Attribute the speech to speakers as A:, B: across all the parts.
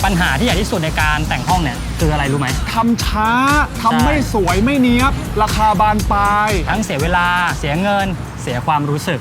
A: ปัญหาที่ใหญ่ที่สุดในการแต่งห้องเนี่ยคืออะไรรู้ไหม
B: ทำช้าทำไม่สวยไม่เนี๊ยบราคาบานปลาย
A: ทั้งเสียเวลาเสียเงินเสียความรู้สึก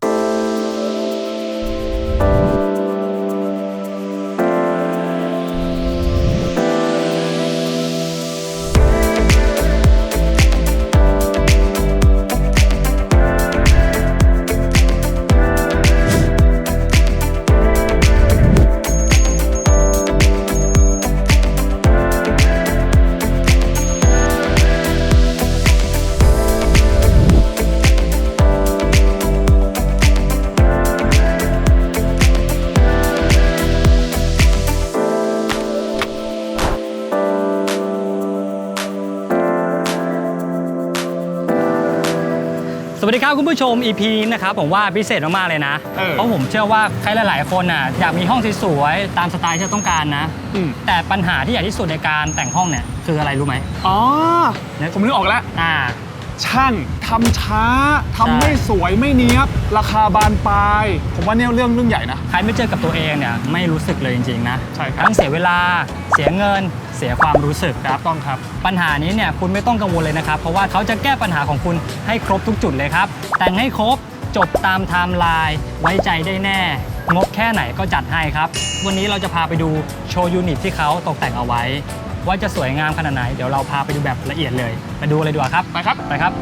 A: สวัสดีครับคุณผู้ชม EP นี้นะครับผมว่าพิเศษมากๆเลยนะเพราะผมเชื่อว่าใครหลายๆคนน่ะอยากมีห้องสวยๆตามสไตล์ที่เราต้องการนะแต่ปัญหาที่ใหญ่ที่สุดในการแต่งห้องเนี่ยคืออะไรรู้ไหม
B: อ๋อผมนึกออกแล้วช่างทำช้าทำไม่สวยไม่เนี๊ยบราคาบานปลายผมว่าเนี่ยเรื่องใหญ่นะ
A: ใครไม่เจอกับตัวเองเนี่ยไม่รู้สึกเลยจริงๆนะ
B: ใช่ครับ
A: ทั้งเสียเวลาเสียเงินเสียความรู้สึกครับ
B: ต้องครับ
A: ปัญหานี้เนี่ยคุณไม่ต้องกังวลเลยนะครับเพราะว่าเขาจะแก้ปัญหาของคุณให้ครบทุกจุดเลยครับแต่งให้ครบจบตามไทม์ไลน์ไว้ใจได้แน่งบแค่ไหนก็จัดให้ครับวันนี้เราจะพาไปดูโชว์ยูนิตที่เขาตกแต่งเอาไว้ว่าจะสวยงามขนาดไหนเดี๋ยวเราพาไปดูแบบละเอียดเลยไปดูเลยดีกว่าครับ
B: ไปครับ
A: ไปครับ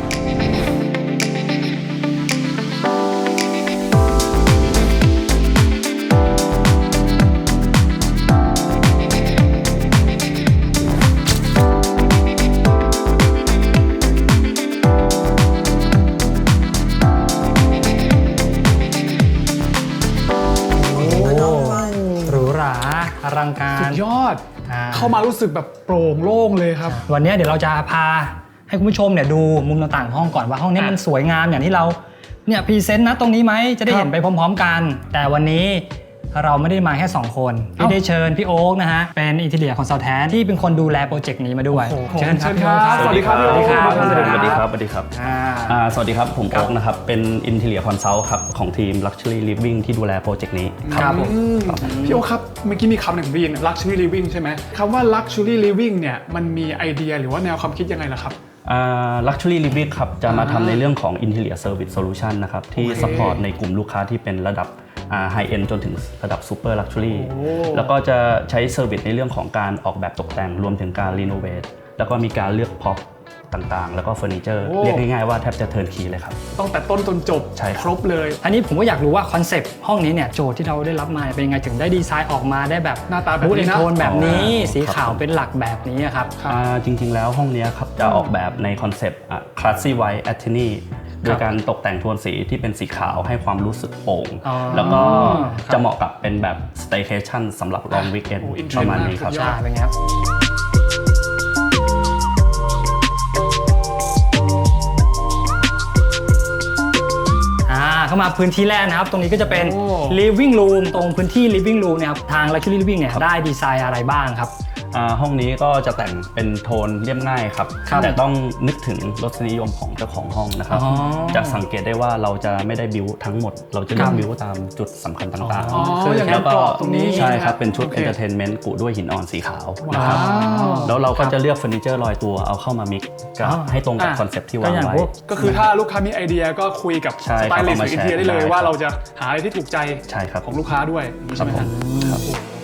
A: อลังการ
B: สุดยอดเข้ามารู้สึกแบบโปร่งโล่งเลยครับ
A: วันนี้เดี๋ยวเราจะพาให้คุณผู้ชมเนี่ยดูมุมต่างๆห้องก่อนว่าห้องนี้มันสวยงามอย่างที่เราเนี่ยพรีเซนต์นะตรงนี้ไหมจะได้เห็นไปพร้อมๆกันแต่วันนี้เราไม่ได้มาแค่2คนพี่ได้เชิญพี่โอ๊คนะฮะเป็นอินทีเรียคอนซัลแทนที่เป็นคนดูแลโปรเจกต์นี้มาด้วย
B: เชิญครับสวัสดีครับพี่โอ๊ค
C: สวัสดีครับสวัสดีครับสวัสดีครับผมโอ๊คนะครับเป็นอินทีเรียคอนซัลท์ครับของทีม Luxury Living ที่ดูแลโปรเจกต์นี้
A: ครับ
B: พี่โอ๊คครับเมื่อกี้มีคำหนึ่งผมได้ยิน Luxury Living ใช่ไหมคำว่า Luxury Living เนี่ยมันมีไอเดียหรือว่าแนวความคิดยังไงล่ะครับ
C: Luxury Living ครับจะมาทำในเรื่องของ Interior Service Solution นะครับที่ซัพพอร์ตในกลุ่มลูกค้าที่เป็นระดับHigh End จนถึงระดับ Super Luxury แล้วก็จะใช้เซอร์วิสในเรื่องของการออกแบบตกแต่งรวมถึงการรีโนเวทแล้วก็มีการเลือกพ็อปต่างๆแล้วก็เฟอร์นิเจอร์เรียกง่ายๆว่าแทบจะเทิร์นคีย์เลยครับ
B: ต้องแต่ต้นจนจบครบเลย
A: อันนี้ผมก็อยากรู้ว่าคอนเซปต์ห้องนี้เนี่ยโจทย์ที่เราได้รับมาเป็นยังไงถึงได้ดีไซน์ออกมาได้แบบ
B: หน้าตาแบบนี้นะ
A: โทนแบบนี้สีขาวเป็นหลักแบบนี้ครับ
C: จริงๆแล้วห้องนี้ครับจะออกแบบในคอนเซปต์ Classy White Attorney โดยการตกแต่งโทนสีที่เป็นสีขาวให้ความรู้สึกโปร่งแล้วก็จะเหมาะกับเป็นแบบ Staycation สำหรับ Long Weekend ประมาณนี้ครับ
A: ใช่เป็นไงครับเข้ามาพื้นที่แรกนะครับตรงนี้ก็จะเป็น living room ตรงพื้นที่ living room เนี่ยครับทาง Luxury Living เนี่ยได้ดีไซน์อะไรบ้างครับ
C: ห้องนี้ก็จะแต่งเป็นโทนเรียบง่ายครับแต่ต้องนึกถึงรสนิยมของเจ้าของห้องนะครับจะสังเกตได้ว่าเราจะไม่ได้บิวทั้งหมดเราจะเลือกบิวตามจุดสำคัญต่าง
B: ๆแล้วก็ตรงนี้
C: ใช่ครับเป็นชุด Entertainment กุด้วยหินอ่อนสีขาวนะครับแล้วเราก็จะเลือกเฟอร์นิเจอร์ลอยตัวเอาเข้ามามิกซ์ให้ตรงกับคอนเซ็ปต์ที่วางไว้
B: ก็คือถ้าลูกค้ามีไอเดียก็คุยกับสไตลิสต์หรืออินเทียได้เลยว่าเราจะหาอะไรที่ถูกใจของลูกค้าด้วยใช่ไหมครับ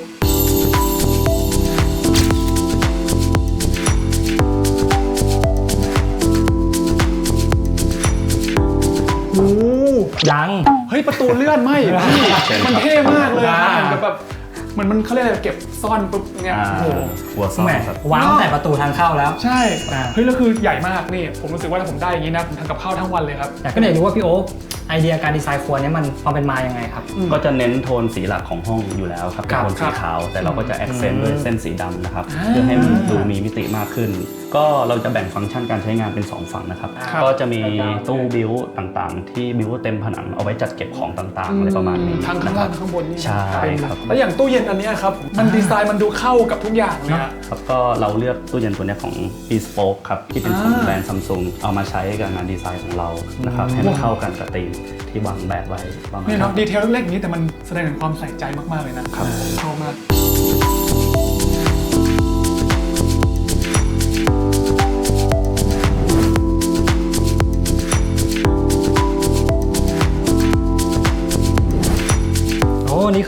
A: ยัง
B: เฮ้ยประตูเลื่อนไหมมันเท่มากเลยแบบมันเขาเรียกอะไรเก็บซ่อนปุ๊บเนี่ยโอ้โห
C: หัวซ่อน
A: วางแต่ประตูทางเข้าแล้ว
B: ใช่เฮ้ยแล้วคือใหญ่มากนี่ผมรู้สึกว่าถ้าผมได้อย่างนี้นะผมทำกับข้าวทั้งวันเลยครับ
A: แต่ก็อยากรู้ว่าพี่โอ๊คไอเดียการดีไซน์ครัวนี้มันความเป็นมายังไงครับ
C: ก็จะเน้นโทนสีหลักของห้องอยู่แล้วครับเป็นโทนสีขาวแต่เราก็จะแอคเซนต์ด้วยเส้นสีดำนะครับเพื่อให้มันดูมีมิติมากขึ้นก็เราจะแบ่งฟังก์ชันการใช้งานเป็น2ฝั่งนะครับก็จะมีตู้บิวต่างๆที่บิวเต็มผนังเอาไว้จัดเก็บของต่างๆอะไรประมาณนี้
B: ทั้งข้างล่างข้างบนนี่
C: ใช่ครับ
B: แล้วอย่างตู้เย็นอันนี้ครับมันดีไซน์มันดูเข้ากับทุกอย่างเลย
C: ครับก็เราเลือกตู้เย็นตัวนี้ของ Bespoke ครับที่เป็นของแบรนด์ Samsung เอามาใช้กับงานดีไซน์ของเรานะครับให้มันเข้ากันกับธีมที่วางแบบไว้
B: นี่เนาะดีเทลเล็กๆนี้แต่มันแสดงถึงความใส่ใจมากๆเลยนะครับชอบมาก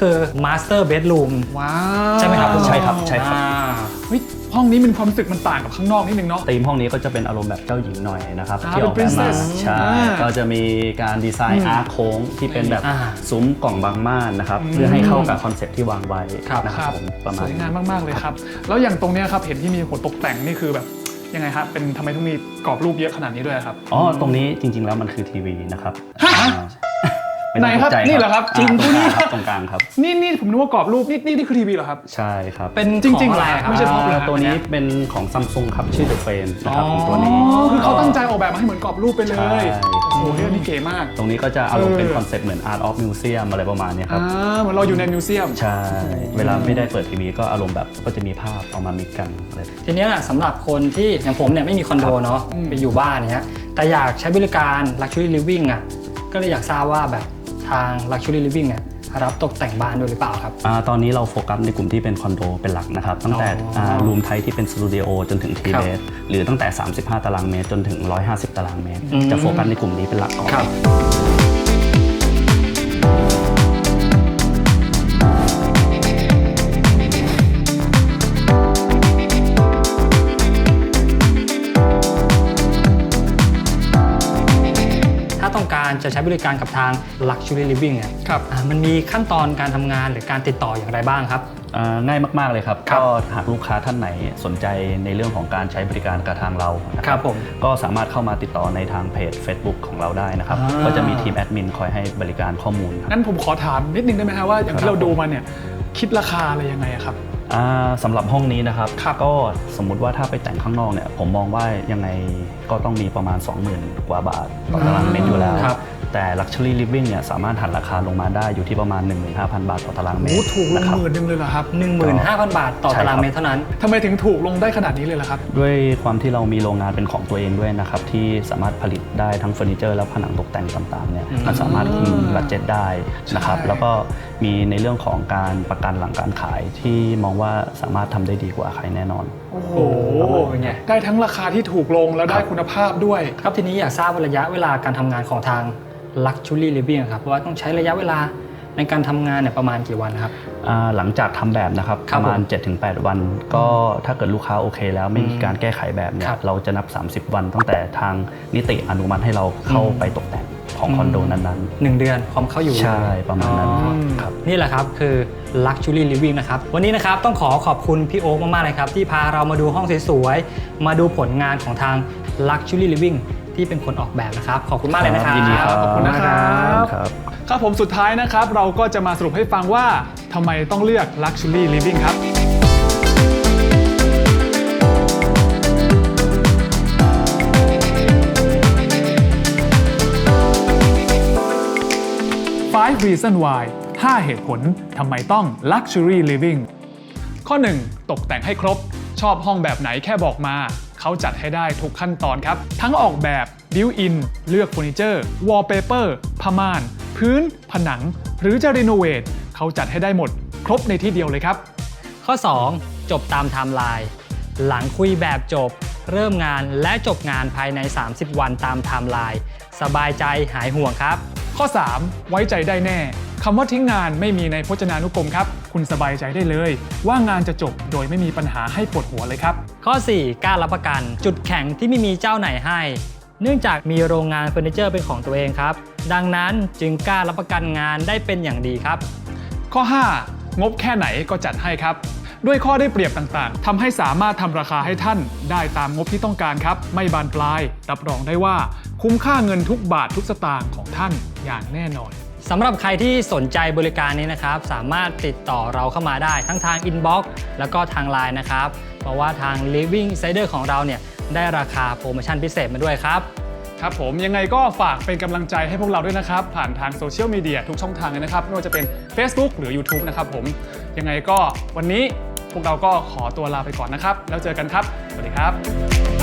A: คือ Master Bedroom
B: ว้าว
A: ใช่ไหมครับ
C: ใช่ครับใช่ครับ
B: เฮ้ยห้องนี้มันความรู้สึกมันต่างกับข้างนอกนิดนึงเนาะ
C: ธีมห้องนี้ก็จะเป็นอารมณ์แบบเจ้าหญิงหน่อยนะครับ
B: อ่า
C: ที่ออกแบบมา
B: เป็น princess
C: ใช่ ก็จะมีการดีไซน์อาร์คโค้งที่เป็นแบบ
A: อ่า
C: ซุ้มกล่องบางม่านนะครับเพื่อให้เข้ากับคอนเซ็ปต์ที่วางไว้
A: ครับ
C: นะครับผมประ
B: ส
C: มาณ
B: วยงามมากๆเลยครับแล้วอย่างตรงเนี้ยครับเห็นที่มีหัวตกแต่งนี่คือแบบยังไงครับเป็นทำไมต้องมีกรอบรูปเยอะขนาดนี้ด้วยครับ
C: อ๋อตรงนี้จริงๆแล้วมันคือทีวีนะครับ
B: ฮะ
C: ไม่ต้อง
B: ไหนครับ
C: ตกใจ
B: นี่เหรอครับจริง
C: ตรงกลาง
B: นี่
C: ครับตรงกลางครับ
B: นี่ผมนึกว่ากรอบรูปนี่คือทีวีเหรอครับ
C: ใช่ครับ
A: เป็น
B: จริงๆ
A: ของอะไร
B: เหรอ
A: ครับ
B: ไม่ใช่ พอปเหรอ
C: ตัวนี้เป็นของซัมซุงครับชื่อ The Frame นะครับของตัวนี้
B: อ๋อคือเขาตั้งใจออกแบบมาให้เหมือนกรอบรูปไปเลย
C: ใช่
B: โอ้โหนี่เก๋มาก
C: ตรงนี้ก็จะอารมณ์เป็น
B: เออ
C: คอนเซ็ปต์เหมือน Art of Museum อะไรประมาณเนี้ยครับ
B: เหมือนเราอยู่ในมิวเซียม
C: ใช่ เวลาไม่ได้เปิดทีวีก็อารมณ์แบบก็จะมีภาพเอามามิกกันอะไร
A: ทีเนี้ยสำหรับคนที่อย่างผมเนี่ยไม่มีคอนโดเนาะ
B: อืม
A: ไปอยู่บ้านเนี้ยแต่อยากใช้บริการ Luxury Living อ่ะก็เลยอยากทราบว่าแบบทาง Luxury Living เนี่ยรับตกแต่งบ้านด้วยหรือเปล่าครับ
C: ตอนนี้เราโฟกัสในกลุ่มที่เป็นคอนโดเป็นหลักนะครับ ตั้งแต่ รูมไทป์ที่เป็นสตูดิโอจนถึงที
A: ครับ
C: เบสหรือตั้งแต่ 35 ตารางเมตรจนถึง 150 ตารางเมตร
A: อืม
C: จะโฟกัสในกลุ่มนี้เป็นหลักก่อน
A: ครับ ถ้าต้องการจะใช้บริการกับทาง Luxury Living เนี่ย
B: ครับ
A: มันมีขั้นตอนการทำงานหรือการติดต่ออย่างไรบ้างครับ
C: ง่ายมาก ๆ เลยครับ
A: ครับ
C: ก็หากลูกค้าท่านไหนสนใจในเรื่องของการใช้บริการกับทางเรานะค
A: ครั
C: รับบ
A: ผม
C: ก็สามารถเข้ามาติดต่อในทางเพจ Facebook ของเราได้นะครับ
A: อ่า
C: ก็จะมีทีมแอดมินคอยให้บริการข้อมูลครับ
B: งั้นผมขอถามนิดนึงได้ไหมครับว่าอย่าง
C: ครั
B: ที่
C: บ
B: เราดูมาเนี่ยคิดราคาอะไรยังไงอะครับ
C: สำหรับห้องนี้นะครับ
B: ครับ
C: ก็สมมุติว่าถ้าไปแต่งข้างนอกเนี่ยผมมองว่ายังไงก็ต้องมีประมาณ 20,000 กว่าบาทต่อตารางเมตรอยู่แล้ว
A: ครับ
C: แต่ Luxury Living เนี่ยสามารถหันราคาลงมาได้อยู่ที่ประมาณ 15,000 บาทต่อตารางเม
B: โอ้
C: ตร
B: ถูกลง
C: นะครับ
B: 10,000เลยเหรอครับ
A: 15,000 บาทต่อ
C: ใช่ครับ
A: ตารางเมตรเท่านั้น
B: ทำไมถึงถูกลงได้ขนาดนี้เลยล่ะครับ
C: ด้วยความที่เรามีโรงงานเป็นของตัวเองด้วยนะครับที่สามารถผลิตได้ทั้งเฟอร์นิเจอร์และผนังตกแต่งต่างๆเนี่ยมันสามารถคุมบัดเจ็ตได้นะครับ
B: ใช่
C: แล้วก็มีในเรื่องของการประกันหลังการขายที่มองว่าสามารถทำได้ดีกว่าใครแน่นอน
B: โอ้โห
A: เป็นไง
B: ได้ทั้งราคาที่ถูกลงแล้วได้คุณภาพด้วย
A: ครับทีนี้อยากทราบระยะเวลาการทำงานของทาง Luxury Living ครับว่าต้องใช้ระยะเวลาในการทำงานเนี่ยประมาณกี่วันครับ
C: หลังจากทำแบบนะครับ
A: ครั
C: ป
A: บ
C: ระมาณ 7-8 วัน ก็ถ้าเกิดลูกค้าโอเคแล้วไม่มีการแก้ไขแบบเนี่
A: ค
C: ย
A: รับ
C: เราจะนับ 30 วันตั้งแต่ทางนิติอนุมัติให้เราเข้าไปตกแต่งของคอนโดนั้น
A: 1 เดือนความเข้าอยู่
C: ๆ ใช่ประมาณนั้น
A: อ๋อ
C: ครับ
A: นี่แหละครับคือ Luxury Living นะครับวันนี้นะครับต้องขอบคุณพี่โอ๊คมากๆเลยครับที่พาเรามาดูห้องสวยๆมาดูผลงานของทาง Luxury Living ที่เป็นคนออกแบบนะครับขอบคุณมากเลยนะครับ
C: ยินดีครับ
B: ขอบคุณนะครับ
C: ครับ
B: ครับผมสุดท้ายนะครับเราก็จะมาสรุปให้ฟังว่าทำไมต้องเลือก Luxury Living ครับ 5 Reason Why 5 เหตุผลทำไมต้อง Luxury Living ข้อ 1 ตกแต่งให้ครบ ชอบห้องแบบไหนแค่บอกมา เขาจัดให้ได้ทุกขั้นตอนครับ ทั้งออกแบบ Built-in เลือกเฟอร์นิเจอร์ Wallpaper ผ้าม่าน พื้น ผนัง หรือจะรีโนเวทเขาจัดให้ได้หมด ครบในที่เดียวเลยครับ
A: ข้อ 2 จบตามไทม์ไลน์หลังคุยแบบจบ เริ่มงานและจบงานภายใน 30 วันตามไทม์ไลน์สบายใจหายห่วงครับ
B: ข้อ 3 ไว้ใจได้แน่คำว่าทิ้งงานไม่มีในพจนานุกรมครับ คุณสบายใจได้เลย ว่างานจะจบโดยไม่มีปัญหาให้ปวดหัวเลยครับ
A: ข้อ 4 กล้ารับประกัน จุดแข็งที่ไม่มีเจ้าไหนให้ เนื่องจากมีโรงงานเฟอร์นิเจอร์เป็นของตัวเองครับ ดังนั้นจึงกล้ารับประกันงานได้เป็นอย่างดีครับ
B: ข้อ 5 งบแค่ไหนก็จัดให้ครับ ด้วยข้อได้เปรียบต่างๆทำให้สามารถทำราคาให้ท่านได้ตามงบที่ต้องการครับ ไม่บานปลาย รับรองได้ว่า คุ้มค่าเงินทุกบาททุกสตางค์ของท่านอย่างแน่นอน
A: สำหรับใครที่สนใจบริการนี้นะครับสามารถติดต่อเราเข้ามาได้ทั้งทาง Inbox แล้วก็ทาง Line นะครับเพราะว่าทาง Living Insider ของเราเนี่ยได้ราคาโปรโมชั่นพิเศษมาด้วยครับ
B: ครับผมยังไงก็ฝากเป็นกำลังใจให้พวกเราด้วยนะครับ ผ่านทางโซเชียลมีเดียทุกช่องทางเลยนะครับไม่ว่าจะเป็น Facebook หรือ YouTube นะครับผมยังไงก็วันนี้พวกเราก็ขอตัวลาไปก่อนนะครับ แล้วเจอกันครับ สวัสดีครับ